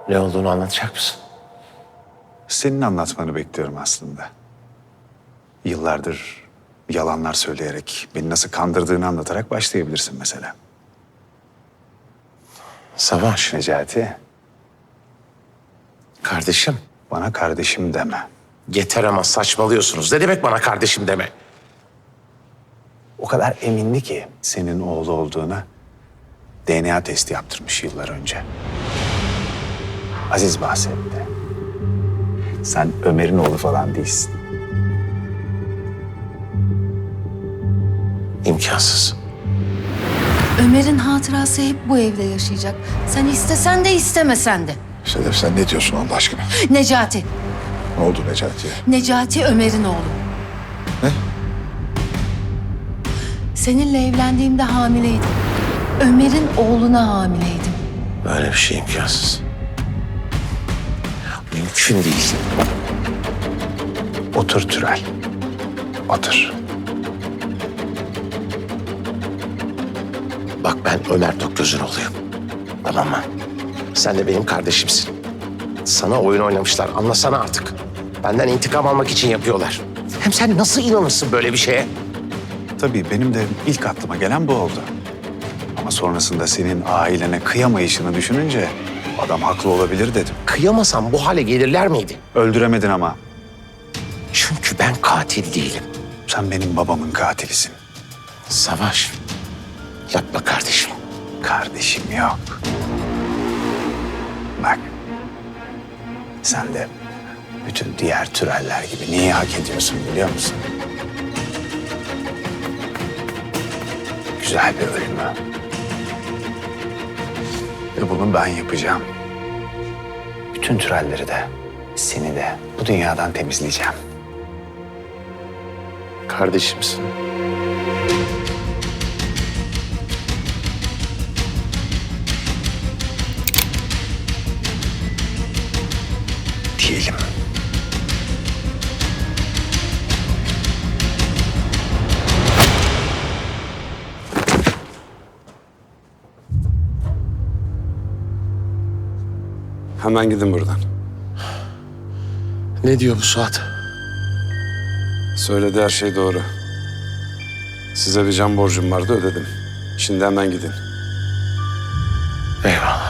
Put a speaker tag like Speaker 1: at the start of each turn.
Speaker 1: Ne olduğunu anlatacak mısın?
Speaker 2: Senin anlatmanı bekliyorum aslında. Yıllardır yalanlar söyleyerek, beni nasıl kandırdığını anlatarak başlayabilirsin mesela.
Speaker 1: Savaş.
Speaker 2: Necati,
Speaker 1: Kardeşim.
Speaker 2: bana kardeşim deme.
Speaker 1: Yeter ama saçmalıyorsunuz. Ne demek bana kardeşim deme?
Speaker 2: O kadar emindi ki senin oğlu olduğuna DNA testi yaptırmış yıllar önce. Aziz bahsetti. Sen Ömer'in oğlu falan değilsin.
Speaker 1: İmkansız.
Speaker 3: Ömer'in hatırası hep bu evde yaşayacak. Sen istesen de istemesen de.
Speaker 4: Sedef sen ne diyorsun Allah aşkına?
Speaker 3: Necati.
Speaker 4: Ne oldu Necati'ye?
Speaker 3: Necati Ömer'in oğlu.
Speaker 4: Ne?
Speaker 3: Seninle evlendiğimde hamileydim. Ömer'in oğluna hamileydim.
Speaker 1: Böyle bir şey imkansız. Mümkün değil.
Speaker 2: Otur Türel. Otur.
Speaker 1: Bak ben Ömer Tokgöz'ün oğluyum. Tamam mı? Sen de benim kardeşimsin. Sana oyun oynamışlar. Anlasana artık. Benden intikam almak için yapıyorlar. Hem sen nasıl inanırsın böyle bir şeye?
Speaker 2: Tabii benim de ilk aklıma gelen bu oldu. Ama sonrasında senin ailene kıyamayışını düşününce adam haklı olabilir dedim.
Speaker 1: Kıyamasam bu hale gelirler miydi?
Speaker 2: Öldüremedin ama.
Speaker 1: Çünkü ben katil değilim.
Speaker 2: Sen benim babamın katilisin.
Speaker 1: Savaş. Yapma kardeşim.
Speaker 2: Kardeşim yok. Bak. Sen de bütün diğer türeller gibi neyi hak ediyorsun biliyor musun? Güzel bir ölümü. Ve bunu ben yapacağım. Bütün türelleri de, seni de bu dünyadan temizleyeceğim.
Speaker 1: Kardeşimsin.
Speaker 2: Diyelim.
Speaker 5: Hemen gidin buradan.
Speaker 1: Ne diyor bu Suat?
Speaker 5: Söylediği her şey doğru. Size bir can borcum vardı ödedim. Şimdi hemen gidin.
Speaker 1: Eyvallah.